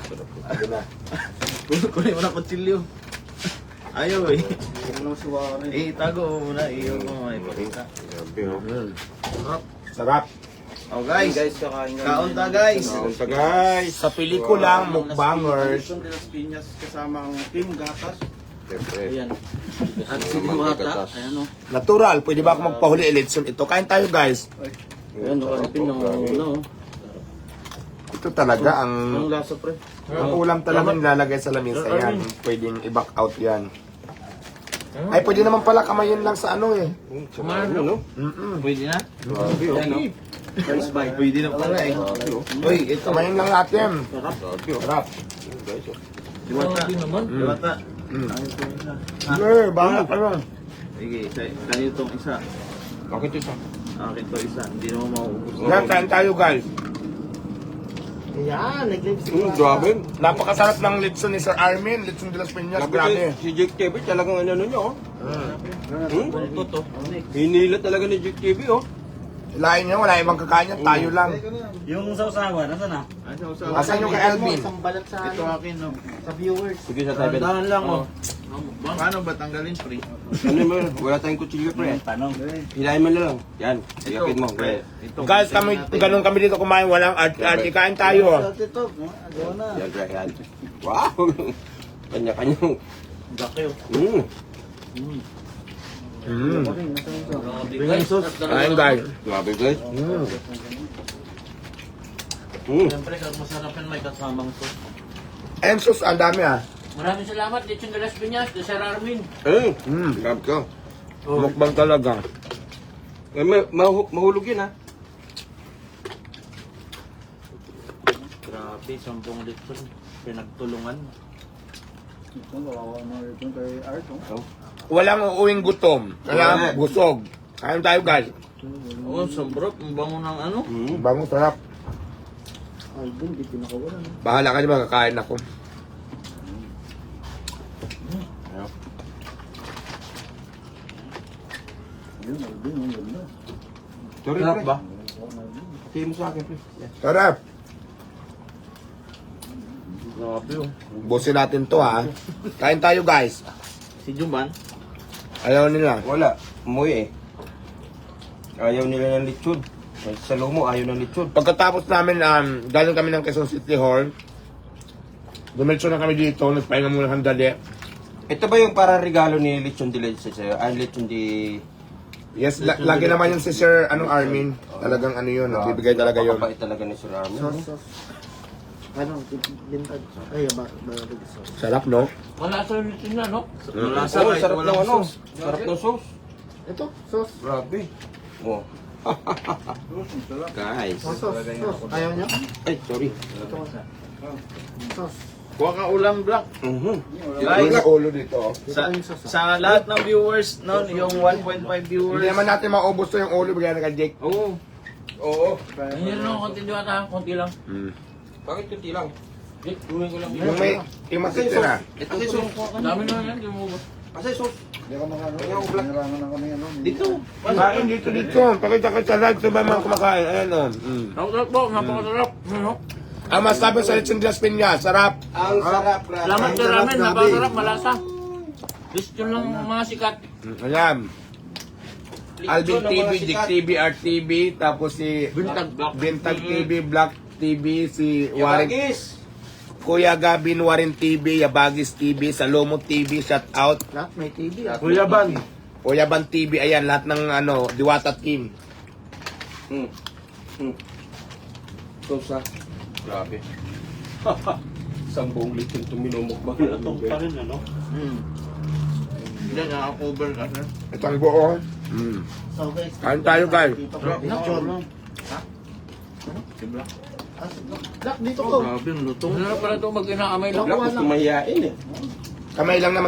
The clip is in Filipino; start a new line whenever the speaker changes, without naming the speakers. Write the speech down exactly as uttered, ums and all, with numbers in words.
Ano na?
Kunin mo na kutsilyo. Ayaw eh.
Ano si Warren?
Eh, tago mo muna. Iyo mo may pakita.
Grabe, oh.
Sarap.
Sarap.
Oh guys,
Guys, kakain kami.
kaon ta guys.
Kaon ta, guys.
Sa pelikulang Mukbangers.
Son de las Piñas kasama ang Team Gatas.
Siyempre.
Ayan. At si
Mga
Diwata.
gatas.
Ayan o.
Natural, pwede ba ako magpahuli election ito? Kain tayo guys.
Ayan o. Alipin ng ano.
Ito talaga
Ang
ang
lasa pre.
ang ulam talaga nilalagay sa lamesa yan. Pwedeng i-back out yan. Ay, pwede naman pala kamayin lang sa ano eh.
Ano, no?
Mm-mm.
Pwede na?
Grabe, oh.
Ayan o. First bite. Pwede na pala eh. Uy, ito.
Kamayin lang natin.
Sarap.
Grabe, oh.
Sarap.
Ayun, guys, oh.
Diwata. Diwata.
Mm.
Ayun po isa.
Eh, bangat ka lang.
Sige, isa- kanino tong isa.
Bakit ito?
Akin to isa. Hindi naman mauubos.
Yan, kain tayo guys.
Ayan, nag-live
Mm, grabe.
Napakasarap ng litson ni Sir Armin. Litson de las Piñas.
Grabe,
Grabe.
si Jake T V talagang ano niya, oh. Hmm?
Ito to.
Hinila talaga ni Jake T V, oh.
Lain niya, wala ibang kakain yan. Tayo lang.
Yung sausawa, nasa na?
Asan sa
Asan yung kay Alvin?
Isang balat sa
Ito akin no.
sa viewers.
Sige sa tabi.
Dahan lang oh. Paano ba tanggalin pre?
Ano mo, wala tayong kutsilyo, pre.
Tanong.
Hilahin mo na lang. Yan, sigapin mo, pre.
Ito.
Guys, kami, ganun kami dito kumain. Walang art-art. Kain tayo.
Ito, gawa na.
Yan, pre, yan. Wow! Kanya-kanyang.
Bakyo.
Mm.
Mm.
Guys,
Kain guys.
Grabe, guys.
Mm.
Mm.
siyempre kung masarap yan may kasamang to.
And sus, ang dami ah.
Maraming salamat, Lechon de las Piñas, de Sir Armin.
Eh,
Mm.
grabe ka.
Mukbang talaga.
Eh, ma- mahu- mahulog yun, ha?
Grabe, sampung litron. Pinagtulungan.
Ito, kawawa mo ito kay Art. oh.
Walang uuwing gutom. Kaya busog. Kain tayo guys.
Oh, sobrang ang bango ng ano.
Mm.
Bango, sarap.
Alvin, di pinakawala. no?
Bahala ka naman, kakain ako.
Ayun, Alvin, ang ganda.
Sorry,
Sarap
pre.
ba?
Tingin mo sa akin, pre. Yan.
Sarap.
Grabe oh.
Busin natin to ha. Kain tayo guys.
Si Jumban.
Ayaw nila.
Wala. Umuwi, eh. Ayaw nila ng lechon. Sa Lomo, ayaw ng lechon.
Pagkatapos namin, um, galing kami ng Quezon City Hall. Dumiretso na kami dito. Nagpahinga muna ng dali.
Ito ba yung para regalo ni Lechon de Leche sa'yo? Ah, Lechon de...
Yes, la- lagi naman yun si Sir anong Armin. Talagang ano yun. Nagbibigay talaga yun.
Napakabait talaga ni Sir Armin.
Sauce, sauce. Ano, bintag. Ay, ba, ba, ba, sauce.
Sarap no?
Wala sa Lechon na, no?
Malasa
Oo,
kahit
sarap ng
walang
ano.
sauce.
Sarap ng sauce.
Ito, sauce.
Grabe. Oh. Guys.
Sauce, sauce. sauce. Ayaw niya?
Ay, sorry.
Ito, sauce.
Kuha ka ulam black.
Mhm.
Guys,
Guys,
na ulo dito.
sa, sa lahat ng viewers noon, yung one point five viewers.
Hindi naman natin maubos to yung ulo. Bigyan na kay Jake.
Oo.
Oo.
Ayun lang, konti diwata, konti lang.
Mm.
Bakit kunti lang?
Eh, Tuwing ko lang yun.
Yung may, yung matitira.
Ito si sauce.
Dami na yan, di mo ba?
Kasi sauce.
Hindi ako makano.
Ayaw, black.
Narangan na kami ano.
Dito.
Kain dito dito. Pakita ka sa live. Sabay mga kumakain. Ayan o. Mm.
Napakasarap po, napakasarap. Ano?
Ang masabi sa Lechon de las Piñas. Sarap.
Ang sarap, grabe.
Salamat
Ang
Sir
sarap,
Armin,
grabe.
napakasarap, malasa. Lechon lang mga sikat.
Mm, Ayan. Alvin T V, Dick T V, Art T V, tapos si
Bintag Black.
Bintag T V, Black T V, si Warren,
Yabagis.
Kuya Gabin Warren T V, Yabagis T V, Salomo T V, shout out.
Lahat may T V. ah.
Kuya Ban. Kuya Ban T V, ayan, lahat ng ano, Diwata Team.
Hmm. Hmm. Sauce, ha? Grabe. Isang buong lechon itong minumukbang natin.
ano?
Hmm. Hindi, naka-cover ka sir.
Ito ang buo. Mm.
So guys,
Kain tayo, guys.
dito ko. Lechon.
Si Black.
Ah, Black, dito ko.
Grabe, ang lutong.
Ano na pala ito, mag-inaamay lang.
Wala, gusto mahihain, eh.
Kamay lang naman